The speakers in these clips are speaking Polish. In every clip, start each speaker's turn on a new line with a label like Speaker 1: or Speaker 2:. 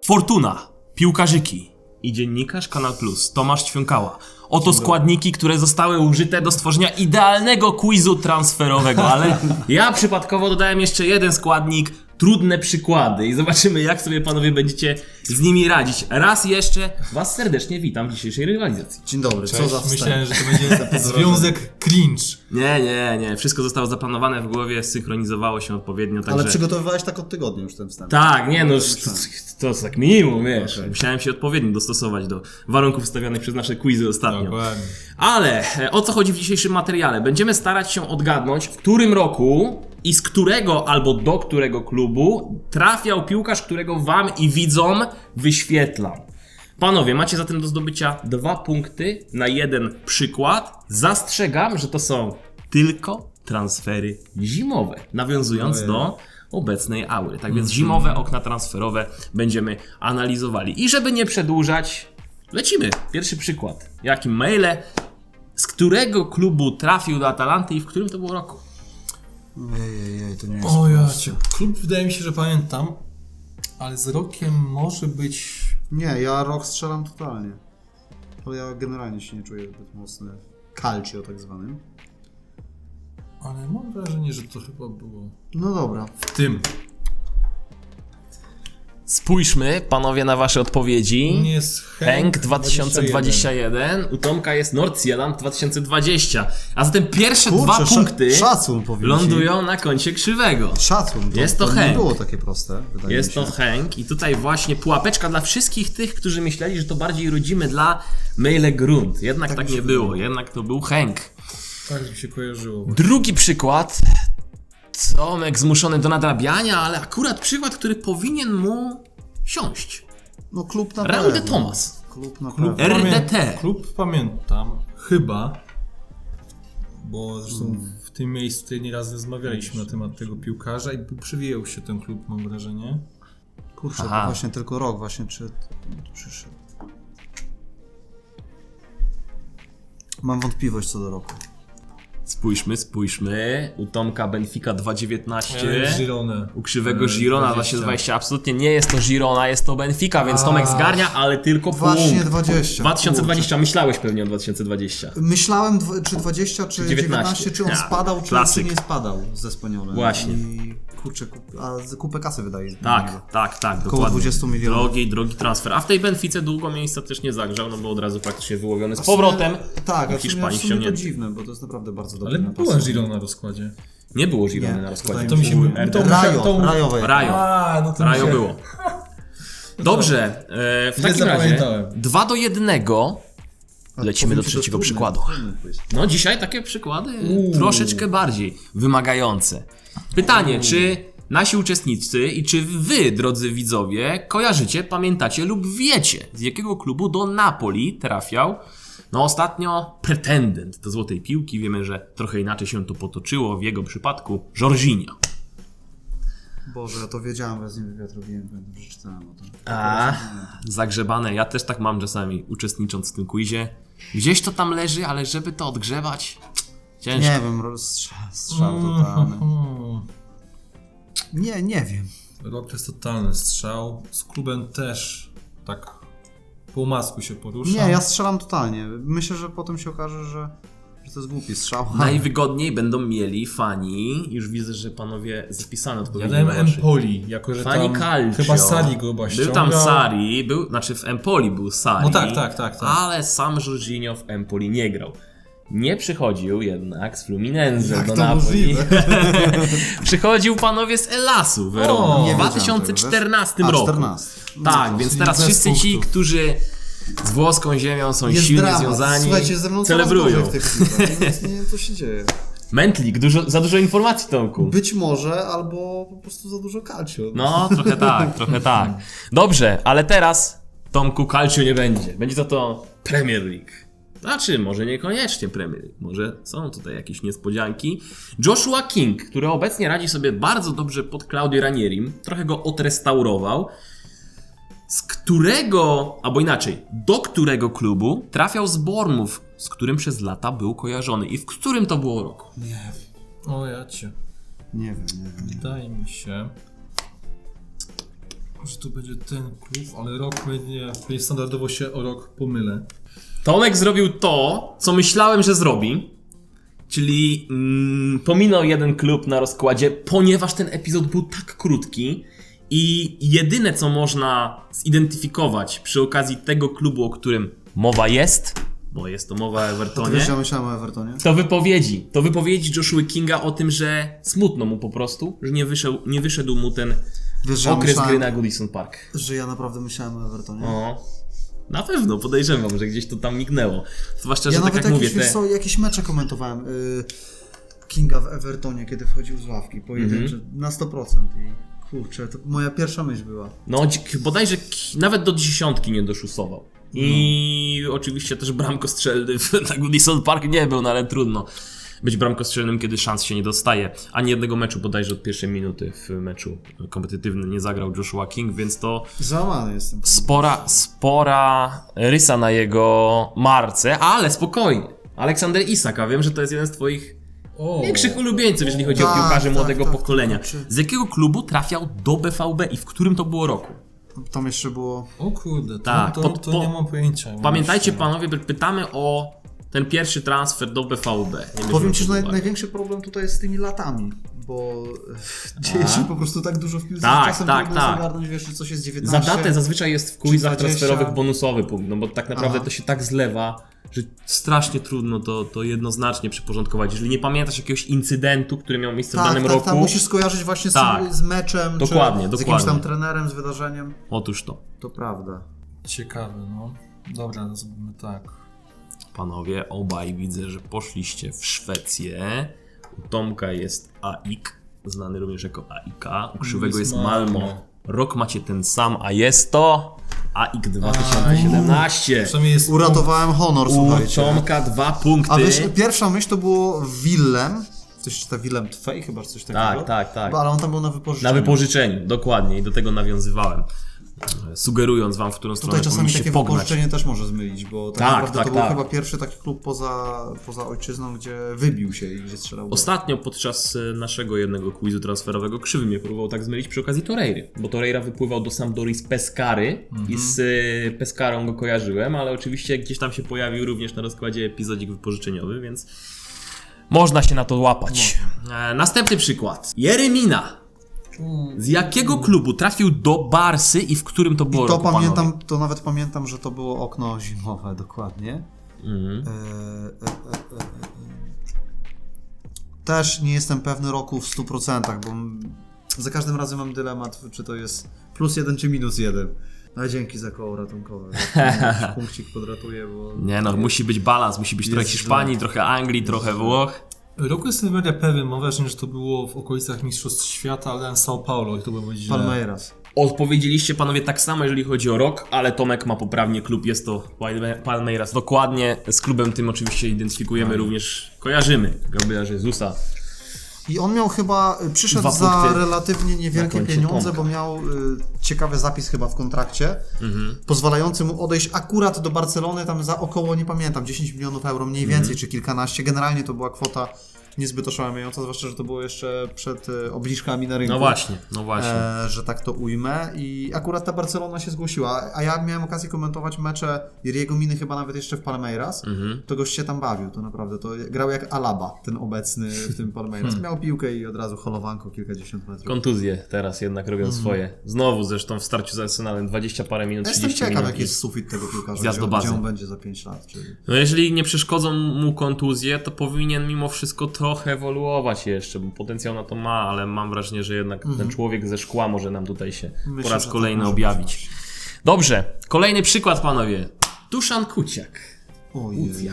Speaker 1: Fortuna, piłkarzyki i dziennikarz Kanal Plus Tomasz Ćwiąkała. Oto składniki, które zostały użyte do stworzenia idealnego quizu transferowego, ale ja przypadkowo dodałem jeszcze jeden składnik, trudne przykłady i zobaczymy, jak sobie panowie będziecie z nimi radzić. Raz jeszcze was serdecznie witam w dzisiejszej rywalizacji.
Speaker 2: Dzień dobry,
Speaker 3: Cześć,
Speaker 2: co za wstęp.
Speaker 3: myślałem, że to będzie związek cringe.
Speaker 1: Nie. Wszystko zostało zaplanowane w głowie, synchronizowało się odpowiednio, także...
Speaker 2: Ale przygotowywałeś tak od tygodnia już ten wstęp.
Speaker 1: Tak, nie no,
Speaker 2: myślałem.
Speaker 1: to tak minimum, wiesz.
Speaker 2: Okej.
Speaker 1: Musiałem się odpowiednio dostosować do warunków stawianych przez nasze quizy ostatnio.
Speaker 3: Dokładnie.
Speaker 1: Ale o co chodzi w dzisiejszym materiale? Będziemy starać się odgadnąć, w którym roku i z którego albo do którego klubu trafiał piłkarz, którego wam i widzom wyświetlam. Panowie, macie zatem do zdobycia 2 punkty na jeden przykład. Zastrzegam, że to są tylko transfery zimowe, nawiązując do obecnej aury. Tak więc zimowe okna transferowe będziemy analizowali. I żeby nie przedłużać, lecimy. Pierwszy przykład. Jakim maile? Z którego klubu trafił do Atalanty i w którym to było roku?
Speaker 2: Ej, to nie jest
Speaker 3: O ja
Speaker 2: proste.
Speaker 3: cię. Klub wydaje mi się, że pamiętam, ale z rokiem może być...
Speaker 2: Nie, ja rok strzelam totalnie. To ja generalnie się nie czuję zbyt mocny w calcio tak zwanym.
Speaker 3: Ale mam wrażenie, że to chyba było
Speaker 2: No dobra.
Speaker 3: w tym.
Speaker 1: Spójrzmy, panowie, na wasze odpowiedzi.
Speaker 3: Nie jest
Speaker 1: Henk 2021, u Tomka jest Nordsjælland 2020. A zatem pierwsze
Speaker 2: Kurczę,
Speaker 1: 2 punkty
Speaker 2: szacun powiem ci.
Speaker 1: lądują na koncie krzywego.
Speaker 2: Szacun.
Speaker 1: Jest to
Speaker 2: nie
Speaker 1: Henk.
Speaker 2: było takie proste, wydaje
Speaker 1: Jest
Speaker 2: mi się.
Speaker 1: to Henk i tutaj właśnie pułapeczka dla wszystkich tych, którzy myśleli, że to bardziej rodzimy dla Mejle Grund. Jednak tak
Speaker 2: mi się
Speaker 1: nie było, jednak to był Henk.
Speaker 3: Tak mi się kojarzyło.
Speaker 1: Drugi przykład. Tomek zmuszony do nadrabiania, ale akurat przykład, który powinien mu siąść.
Speaker 2: No klub na
Speaker 1: Raul de
Speaker 2: pewno.
Speaker 1: Thomas.
Speaker 2: Klub na
Speaker 3: Klub,
Speaker 2: pewno.
Speaker 1: RDT.
Speaker 3: Klub pamiętam, chyba, bo zresztą w tym miejscu tutaj nieraz rozmawialiśmy na temat tego piłkarza i przewijał się ten klub, mam wrażenie.
Speaker 2: Kurczę,
Speaker 1: Aha.
Speaker 2: to właśnie tylko rok właśnie czy przyszedł. Mam wątpliwość co do roku.
Speaker 1: Spójrzmy. U Tomka Benfica 2.19.
Speaker 3: Girone.
Speaker 1: U krzywego Girona 2020. Absolutnie nie jest to Girona, jest to Benfica, więc Tomek zgarnia, ale tylko
Speaker 2: Właśnie
Speaker 1: punkt.
Speaker 2: 20.
Speaker 1: 2020, myślałeś pewnie o 2020.
Speaker 2: Myślałem czy 20, czy 19, czy on
Speaker 1: Ja,
Speaker 2: spadał, czy
Speaker 1: klasyk.
Speaker 2: nie spadał ze Spaniolem.
Speaker 1: Właśnie.
Speaker 2: I kurczę, kupę kasy wydaje.
Speaker 1: Tak,
Speaker 2: Około
Speaker 1: dokładnie.
Speaker 2: 20 milionów.
Speaker 1: Drogi transfer. A w tej Benfice długo miejsca też nie zagrzał, no bo od razu praktycznie wyłowiony z powrotem.
Speaker 2: Tak,
Speaker 1: do
Speaker 2: a w
Speaker 1: Hiszpanii
Speaker 2: sumie to
Speaker 1: ściągnięty.
Speaker 2: dziwne, bo to jest naprawdę bardzo dobry
Speaker 3: Ale
Speaker 2: napastnik.
Speaker 3: była Girona na rozkładzie.
Speaker 1: Nie było Girony
Speaker 2: Nie,
Speaker 1: na rozkładzie.
Speaker 3: To mi się...
Speaker 1: RDT.
Speaker 2: Rajowe.
Speaker 1: Rajo.
Speaker 3: No to mi się...
Speaker 1: było. Dobrze, w
Speaker 3: Źle
Speaker 1: takim razie
Speaker 3: zapamiętałem.
Speaker 1: 2-1. Lecimy do trzeciego przykładu. No dzisiaj takie przykłady troszeczkę bardziej wymagające. Pytanie, czy nasi uczestnicy i czy wy, drodzy widzowie, kojarzycie, pamiętacie lub wiecie, z jakiego klubu do Napoli trafiał no ostatnio pretendent do złotej piłki. Wiemy, że trochę inaczej się to potoczyło w jego przypadku Jorginho.
Speaker 2: Boże, ja to wiedziałem, że z nim wywiad robiłem, pamiętam, że czytałem o tym.
Speaker 1: Zagrzebane. Ja też tak mam czasami, uczestnicząc w tym quizie. Gdzieś to tam leży, ale żeby to odgrzewać, ciężko.
Speaker 2: Nie wiem, strzał totalny. Nie wiem.
Speaker 3: Rok to jest totalny strzał. Z klubem też tak po masku się porusza.
Speaker 2: Nie, ja strzelam totalnie. Myślę, że potem się okaże, że to jest głupi strzał.
Speaker 1: Najwygodniej będą mieli fani. Już widzę, że panowie zapisane
Speaker 3: Ja
Speaker 1: odpowiedzi.
Speaker 3: dałem
Speaker 1: na wasze.
Speaker 3: Empoli, jako że
Speaker 1: Fani
Speaker 3: tam
Speaker 1: Calcio.
Speaker 3: chyba Sari go chyba
Speaker 1: Był
Speaker 3: ściągał.
Speaker 1: tam Sari, znaczy w Empoli był Sari.
Speaker 3: No tak.
Speaker 1: Ale sam Jorginho w Empoli nie grał. Nie przychodził jednak z Fluminense
Speaker 2: Jak
Speaker 1: do
Speaker 2: to
Speaker 1: Napoli.
Speaker 2: możliwe?
Speaker 1: Przychodził panowie z Elasu Verona
Speaker 3: O,
Speaker 1: w
Speaker 3: nie
Speaker 2: wiedziałem
Speaker 1: 2014
Speaker 2: tego, wiesz?
Speaker 1: roku.
Speaker 2: 14.
Speaker 1: Tak, więc
Speaker 3: czyli
Speaker 1: teraz
Speaker 3: bez
Speaker 1: wszyscy ci,
Speaker 3: punktów.
Speaker 1: którzy z włoską ziemią są
Speaker 2: Jest
Speaker 1: silnie
Speaker 2: dramat.
Speaker 1: związani,
Speaker 2: Słuchajcie, ze mną
Speaker 1: celebrują.
Speaker 2: coraz gorzej w tych piłkach. Nie wiem, co się dzieje.
Speaker 1: Mętlik, za dużo informacji, Tomku.
Speaker 2: Być może, albo po prostu za dużo calcio.
Speaker 1: No, trochę tak. Dobrze, ale teraz, Tomku, calcio nie będzie. Będzie to Premier League. Znaczy, może niekoniecznie Premier League. Może są tutaj jakieś niespodzianki. Joshua King, który obecnie radzi sobie bardzo dobrze pod Claudio Ranierim, trochę go odrestaurował. Z którego, albo inaczej, do którego klubu trafiał z Bournemouth, z którym przez lata był kojarzony i w którym to było roku?
Speaker 2: Nie wiem.
Speaker 3: O ja cię.
Speaker 2: Nie wiem.
Speaker 3: Wydaje mi się... że to będzie ten klub, ale rok będzie standardowo się o rok pomylę.
Speaker 1: Tomek zrobił to, co myślałem, że zrobi. Czyli pominął jeden klub na rozkładzie, ponieważ ten epizod był tak krótki i jedyne, co można zidentyfikować przy okazji tego klubu, o którym mowa jest, bo jest to mowa o Evertonie,
Speaker 2: Wiesz, ja myślałem o Evertonie.
Speaker 1: to wypowiedzi Joshua Kinga o tym, że smutno mu po prostu, że nie wyszedł mu ten
Speaker 2: Wiesz, że ja
Speaker 1: okres
Speaker 2: myślałem,
Speaker 1: gry na Goodison Park.
Speaker 2: że ja naprawdę myślałem o Evertonie.
Speaker 1: O, na pewno, podejrzewam, że gdzieś to tam mignęło. Zwłaszcza,
Speaker 2: Ja
Speaker 1: że
Speaker 2: nawet
Speaker 1: tak jak mówię,
Speaker 2: wiesz co, jakieś mecze komentowałem Kinga w Evertonie, kiedy wchodził z ławki, pojedyncze, na 100% i kurczę, to moja pierwsza myśl była.
Speaker 1: no bodajże nawet do 10 nie doszusował. I oczywiście też bramkostrzelny na Goodison Park nie był, no ale trudno być bramkostrzelnym, kiedy szans się nie dostaje. Ani jednego meczu bodajże od pierwszej minuty w meczu kompetytywnym nie zagrał Joshua King, więc to
Speaker 2: Załamany jestem.
Speaker 1: spora rysa na jego marce, ale spokojnie. Aleksander Isak, a wiem, że to jest jeden z twoich większych ulubieńców, jeżeli chodzi o
Speaker 2: Tak,
Speaker 1: piłkarzy
Speaker 2: tak,
Speaker 1: młodego
Speaker 2: tak,
Speaker 1: pokolenia.
Speaker 2: tak.
Speaker 1: Z jakiego klubu trafiał do BVB i w którym to było roku?
Speaker 2: Tam jeszcze było...
Speaker 3: O kurde,
Speaker 1: Tak,
Speaker 3: to nie mam pojęcia.
Speaker 1: Pamiętajcie panowie, pytamy o ten pierwszy transfer do BVB.
Speaker 2: Powiem ci, że największy problem tutaj jest z tymi latami, bo dzieje się po prostu tak dużo w piłce,
Speaker 1: Tak,
Speaker 2: że czasem
Speaker 1: tak,
Speaker 2: trudno
Speaker 1: tak.
Speaker 2: zagarnąć, wiesz, czy coś jest 19.
Speaker 1: Za datę zazwyczaj jest w quizach
Speaker 2: 20.
Speaker 1: transferowych bonusowy punkt, no bo tak naprawdę
Speaker 2: Aha.
Speaker 1: to się tak zlewa, że strasznie trudno to jednoznacznie przyporządkować. Jeżeli nie pamiętasz jakiegoś incydentu, który miał miejsce w danym roku,
Speaker 2: Tak, musisz skojarzyć właśnie
Speaker 1: Tak.
Speaker 2: z meczem,
Speaker 1: Dokładnie,
Speaker 2: czy z jakimś tam
Speaker 1: dokładnie.
Speaker 2: trenerem, z wydarzeniem.
Speaker 1: otóż to.
Speaker 2: To prawda.
Speaker 3: Ciekawe, no. Dobra, no zrobimy tak.
Speaker 1: Panowie, obaj widzę, że poszliście w Szwecję. U Tomka jest AIK, znany również jako AIK. U Krzywego jest Malmo. Rok macie ten sam, a jest to AIK 2017.
Speaker 3: Przynajmniej jest
Speaker 2: Uratowałem honor,
Speaker 1: U
Speaker 2: słuchajcie.
Speaker 1: Tomka 2 punkty.
Speaker 2: A wiesz, pierwsza myśl to było Willem. To się czyta Willem Twey chyba, czy coś takiego.
Speaker 1: Tak.
Speaker 2: Ale on tam był na wypożyczeniu.
Speaker 1: Na wypożyczeniu, dokładnie, i do tego nawiązywałem. Sugerując wam, w którą stronę
Speaker 2: Tutaj czasami
Speaker 1: powinniście
Speaker 2: takie
Speaker 1: pognać.
Speaker 2: wypożyczenie też może zmylić, bo tak
Speaker 1: Tak,
Speaker 2: naprawdę
Speaker 1: tak,
Speaker 2: to był
Speaker 1: tak.
Speaker 2: chyba pierwszy taki klub poza ojczyzną, gdzie wybił się i gdzie strzelał gol.
Speaker 1: Ostatnio podczas naszego jednego quizu transferowego Krzywy mnie próbował tak zmylić przy okazji Torreiry, bo Torreira wypływał do Sampdori z Pescary i z Pescarą go kojarzyłem, ale oczywiście gdzieś tam się pojawił również na rozkładzie epizodzik wypożyczeniowy, więc można się na to łapać. Następny przykład. Jeremina. Z jakiego klubu trafił do Barsy i w którym to było
Speaker 2: I to
Speaker 1: roku, panowie?
Speaker 2: pamiętam, to nawet pamiętam, że to było okno zimowe dokładnie. Też nie jestem pewny roku w 100%, bo za każdym razem mam dylemat, czy to jest +1 czy -1. No dzięki za koło ratunkowe. Jakiś punkcik podratuje, bo...
Speaker 1: Nie no, musi być balans, musi być trochę
Speaker 2: Jest
Speaker 1: Hiszpanii,
Speaker 2: źle.
Speaker 1: trochę Anglii, trochę Włoch.
Speaker 3: Roku jestem mega pewien, mam wrażenie, że to było w okolicach Mistrzostw Świata, ale São Paulo i to było źle.
Speaker 2: Palmeiras.
Speaker 1: Odpowiedzieliście panowie tak samo, jeżeli chodzi o rok, ale Tomek ma poprawnie klub, jest to Palmeiras. Dokładnie, z klubem tym oczywiście identyfikujemy również, kojarzymy Gabriela Jezusa.
Speaker 2: I on miał chyba, przyszedł
Speaker 1: 2
Speaker 2: za
Speaker 1: punkty
Speaker 2: relatywnie
Speaker 1: na
Speaker 2: niewielkie
Speaker 1: koncie
Speaker 2: pieniądze,
Speaker 1: Tomka.
Speaker 2: bo miał ciekawy zapis chyba w kontrakcie, pozwalający mu odejść akurat do Barcelony, tam za około, nie pamiętam, 10 milionów euro mniej więcej, czy kilkanaście. Generalnie to była kwota niezbyt oszałamiająca, zwłaszcza, że to było jeszcze przed obniżkami na rynku.
Speaker 1: No właśnie.
Speaker 2: Że tak to ujmę. I akurat ta Barcelona się zgłosiła, a ja miałem okazję komentować mecze Jeriego Miny chyba nawet jeszcze w Palmeiras. To gość się tam bawił, to naprawdę. To grał jak Alaba, ten obecny w tym Palmeiras. Miał piłkę i od razu holowanko kilkadziesiąt metrów.
Speaker 1: Kontuzje teraz jednak robią swoje. Znowu zresztą w starciu z Arsenalem 20 parę minut,
Speaker 2: Ja
Speaker 1: 30
Speaker 2: jestem ciekaw,
Speaker 1: minut.
Speaker 2: jaki jest sufit tego piłkarza,
Speaker 1: Zjazd do
Speaker 2: gdzie
Speaker 1: bazy.
Speaker 2: on będzie za 5 lat. Czyli...
Speaker 1: No jeżeli nie przeszkodzą mu kontuzje, to powinien mimo wszystko trochę ewoluować jeszcze, bo potencjał na to ma, ale mam wrażenie, że jednak ten człowiek ze szkła może nam tutaj się
Speaker 2: Myślę,
Speaker 1: po raz
Speaker 2: że
Speaker 1: kolejny
Speaker 2: tak może
Speaker 1: objawić.
Speaker 2: być.
Speaker 1: Dobrze, kolejny przykład panowie. Duszan Kuciak.
Speaker 2: Ojej.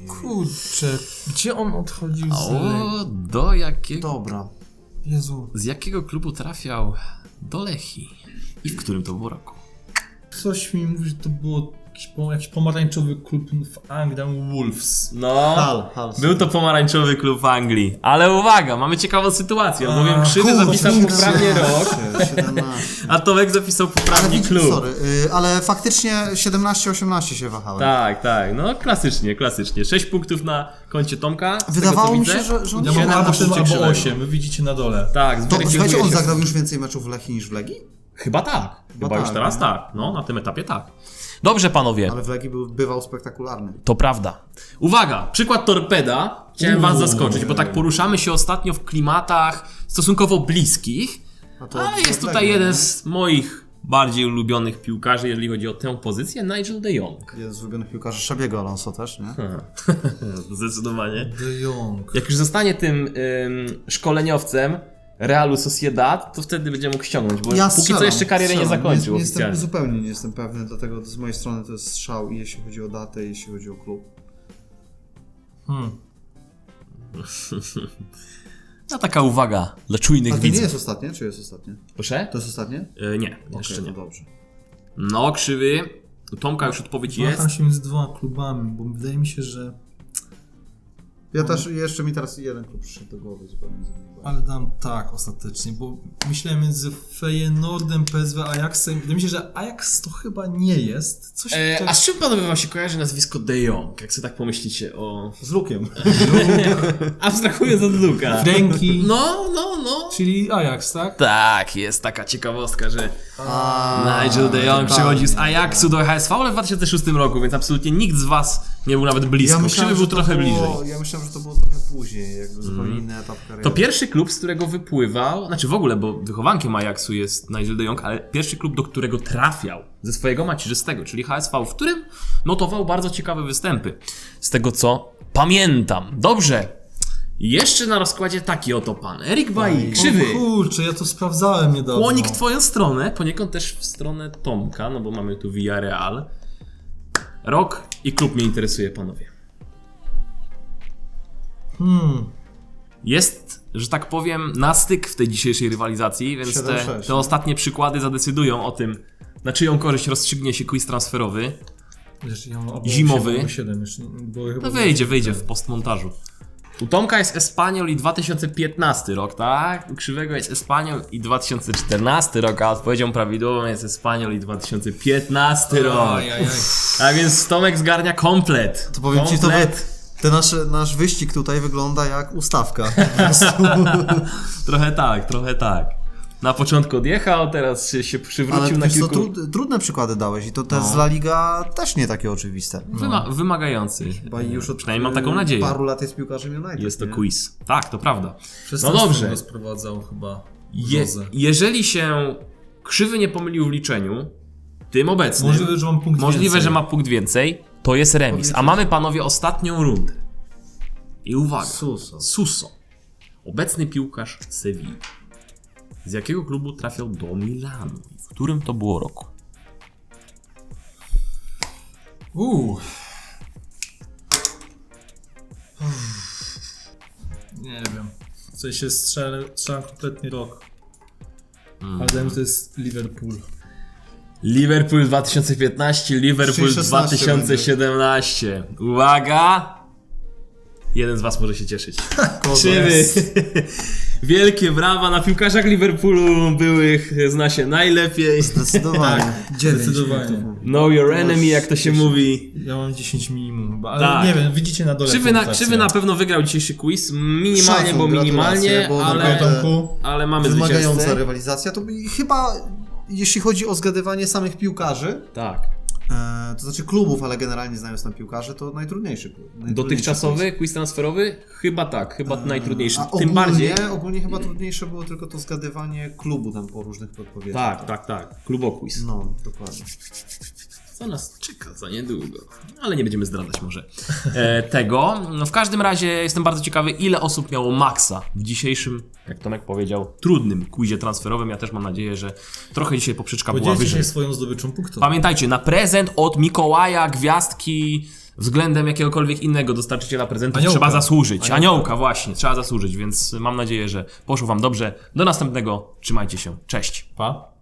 Speaker 3: Kurczę, gdzie on odchodził z...
Speaker 1: O, do jakiego...
Speaker 2: Dobra.
Speaker 3: Jezu,
Speaker 1: Z jakiego klubu trafiał do Lechii? I w którym to było roku?
Speaker 3: coś mi mówi, że to było jakiś pomarańczowy klub w Anglii, tam Wolves.
Speaker 1: No,
Speaker 2: Hull.
Speaker 1: był to pomarańczowy klub w Anglii. Ale uwaga, mamy ciekawą sytuację, bowiem Krzywy zapisał poprawnie rok,
Speaker 2: 17.
Speaker 1: a Tomek zapisał
Speaker 2: Ale
Speaker 1: poprawnie
Speaker 2: widzisz,
Speaker 1: klub.
Speaker 2: sorry, ale faktycznie 17-18 się wahałem.
Speaker 1: Tak, no klasycznie. 6 punktów na koncie Tomka. z tego,
Speaker 2: Wydawało
Speaker 1: co
Speaker 2: mi
Speaker 1: widzę.
Speaker 2: się, że on
Speaker 3: Ja
Speaker 2: nie
Speaker 3: mam
Speaker 2: ma
Speaker 3: albo
Speaker 1: na
Speaker 3: 7,
Speaker 1: punkcie
Speaker 3: albo
Speaker 1: Krzywego.
Speaker 3: 8, wy widzicie na dole.
Speaker 1: Tak,
Speaker 2: To
Speaker 1: zweryfikuje
Speaker 2: słuchajcie, on
Speaker 1: się.
Speaker 2: zagrał już więcej meczów w Lechii niż w Legii?
Speaker 1: Chyba tak. Chyba już
Speaker 2: tak,
Speaker 1: teraz
Speaker 2: nie?
Speaker 1: tak. No, na tym etapie tak. Dobrze, panowie.
Speaker 2: Ale w Legii bywał spektakularny.
Speaker 1: To prawda. Uwaga, przykład Torpeda. Chciałem was zaskoczyć, bo tak poruszamy się ostatnio w klimatach stosunkowo bliskich,
Speaker 2: A to
Speaker 1: ale jest tutaj jeden z moich bardziej ulubionych piłkarzy, jeżeli chodzi o tę pozycję, Nigel de Jong.
Speaker 2: Jeden z ulubionych piłkarzy Xabiego Alonso też, nie?
Speaker 1: Zdecydowanie.
Speaker 3: De Jong.
Speaker 1: Jak już zostanie tym szkoleniowcem Realu Sociedad, to wtedy będzie mógł ściągnąć, bo póki co
Speaker 2: strzelam,
Speaker 1: jeszcze kariery nie
Speaker 2: strzelam.
Speaker 1: zakończył
Speaker 2: Jestem,
Speaker 1: oficjalnie.
Speaker 2: zupełnie nie jestem pewny, dlatego z mojej strony to jest strzał i jeśli chodzi o datę, i jeśli chodzi o klub.
Speaker 1: No taka uwaga dla czujnych
Speaker 2: A to nie
Speaker 1: widzów.
Speaker 2: jest ostatnie, czy jest ostatnie?
Speaker 1: Proszę?
Speaker 2: To jest ostatnie?
Speaker 1: Nie, jeszcze
Speaker 2: Okej,
Speaker 1: nie.
Speaker 2: to dobrze.
Speaker 1: No, krzywy. U Tomka już odpowiedź jest.
Speaker 3: Waham się między dwoma klubami, bo wydaje mi się, że...
Speaker 2: Ja też, jeszcze mi teraz jeden klub przyszedł do głowy zupełnie.
Speaker 3: Ale dam tak ostatecznie, bo myślałem między Feyenoordem, PSV, Ajaxem. Wydaje mi się, że Ajax to chyba nie jest. Coś
Speaker 1: A z czym panowie wam się kojarzy nazwisko De Jong? Jak sobie tak pomyślicie o...
Speaker 2: Z Lukiem.
Speaker 1: Abstrahując od Luka.
Speaker 3: Franki,
Speaker 1: No.
Speaker 3: czyli Ajax, tak?
Speaker 1: Tak, jest taka ciekawostka, że Nigel de Jong przechodził z Ajaxu do HSV, ale w 2006 roku, więc absolutnie nikt z was nie był nawet blisko. Krzywy był trochę bliżej.
Speaker 2: Ja myślałem, że to było trochę później, jakby zupełnie inny etap kariery.
Speaker 1: To pierwszy klub, z którego wypływał, znaczy w ogóle, bo wychowankiem Ajaxu jest Nigel de Jong, ale pierwszy klub, do którego trafiał ze swojego macierzystego, czyli HSV, w którym notował bardzo ciekawe występy. Z tego co pamiętam. Dobrze. Jeszcze na rozkładzie taki oto pan. Erik Bailly, krzywy.
Speaker 3: O kurczę, ja to sprawdzałem niedawno.
Speaker 1: Kłonik w twoją stronę, poniekąd też w stronę Tomka, no bo mamy tu Villarreal. Rok i klub mnie interesuje, panowie. Jest, że tak powiem, na styk w tej dzisiejszej rywalizacji, więc
Speaker 2: 7-6,
Speaker 1: te ostatnie przykłady zadecydują o tym, na czyją korzyść rozstrzygnie się quiz transferowy.
Speaker 3: Wiesz, ja mam
Speaker 1: Zimowy.
Speaker 3: 7 jeszcze, bo chyba
Speaker 1: No wyjdzie w postmontażu. U Tomka jest Espanyol i 2015 rok, tak? U Krzywego jest Espanyol i 2014 rok, a odpowiedzią prawidłową jest Espanyol i 2015 rok.
Speaker 3: Ajajaj.
Speaker 1: A więc Tomek zgarnia komplet.
Speaker 2: To powiem ci, to
Speaker 1: Komplet.
Speaker 2: nasz wyścig tutaj wygląda jak ustawka.
Speaker 1: Trochę tak. Na początku odjechał, teraz się przywrócił
Speaker 2: Ale
Speaker 1: na
Speaker 2: wiesz co,
Speaker 1: kilku...
Speaker 2: trudne przykłady dałeś i to te z La Liga też nie takie oczywiste.
Speaker 1: Wymagający.
Speaker 2: Chyba już od
Speaker 1: Przynajmniej mam taką nadzieję.
Speaker 2: paru lat jest piłkarzem United.
Speaker 1: Jest to
Speaker 2: nie?
Speaker 1: quiz. Tak, to prawda.
Speaker 3: Przez
Speaker 1: No
Speaker 3: ten
Speaker 1: dobrze.
Speaker 3: stron rozprowadzał chyba Jose.
Speaker 1: Jeżeli się Krzywy nie pomylił w liczeniu, tym obecnym...
Speaker 3: Możliwe, że mam punkt
Speaker 1: Możliwe,
Speaker 3: więcej.
Speaker 1: że ma punkt więcej, to jest remis. A mamy, panowie, ostatnią rundę. I uwaga. Suso. Obecny piłkarz Sewilli. Z jakiego klubu trafiał do Milanu? I w którym to było roku?
Speaker 3: Nie wiem. W sensie strzelam kompletnie rok. Ale wiem, że to jest Liverpool.
Speaker 1: Liverpool 2015, Liverpool
Speaker 2: 16
Speaker 1: 2017. Uwaga! Jeden z was może się cieszyć. Krzywy. Wielkie brawa, na piłkarzach Liverpoolu byłych zna się najlepiej.
Speaker 2: Zdecydowanie.
Speaker 3: Zdecydowanie.
Speaker 1: Know your enemy, jak to się mówi.
Speaker 3: Ja mam 10 minimum chyba, ale
Speaker 1: Tak.
Speaker 3: nie wiem, widzicie na dole
Speaker 1: Krzywy na pewno wygrał dzisiejszy quiz. Minimalnie,
Speaker 2: Szacun,
Speaker 1: bo minimalnie,
Speaker 2: gratulacje, bo
Speaker 1: ale,
Speaker 2: naprawdę
Speaker 1: ale mamy
Speaker 2: wymagająca
Speaker 1: zwycięzcę.
Speaker 2: rywalizacja. To chyba, jeśli chodzi o zgadywanie samych piłkarzy,
Speaker 1: Tak.
Speaker 2: to znaczy klubów, ale generalnie znając tam piłkarzy, to najtrudniejszy klub.
Speaker 1: Dotychczasowy quiz transferowy? Chyba tak, chyba najtrudniejszy.
Speaker 2: A
Speaker 1: Tym bardziej.
Speaker 2: Ogólnie chyba trudniejsze było tylko to zgadywanie klubu tam po różnych podpowiedziach.
Speaker 1: Tak. Kluboquiz.
Speaker 2: No, dokładnie.
Speaker 1: Co nas czeka za niedługo. Ale nie będziemy zdradzać może tego. No, w każdym razie jestem bardzo ciekawy, ile osób miało maksa w dzisiejszym, jak Tomek powiedział, trudnym quizie transferowym. Ja też mam nadzieję, że trochę dzisiaj poprzeczka była
Speaker 3: Podzielcie
Speaker 1: wyżej.
Speaker 3: się swoją zdobyczą punktów.
Speaker 1: Pamiętajcie, na prezent od Mikołaja, gwiazdki względem jakiegokolwiek innego dostarczyciela prezentów
Speaker 3: Aniołka.
Speaker 1: trzeba zasłużyć. Aniołka właśnie, trzeba zasłużyć, więc mam nadzieję, że poszło wam dobrze. Do następnego, trzymajcie się, cześć.
Speaker 3: Pa.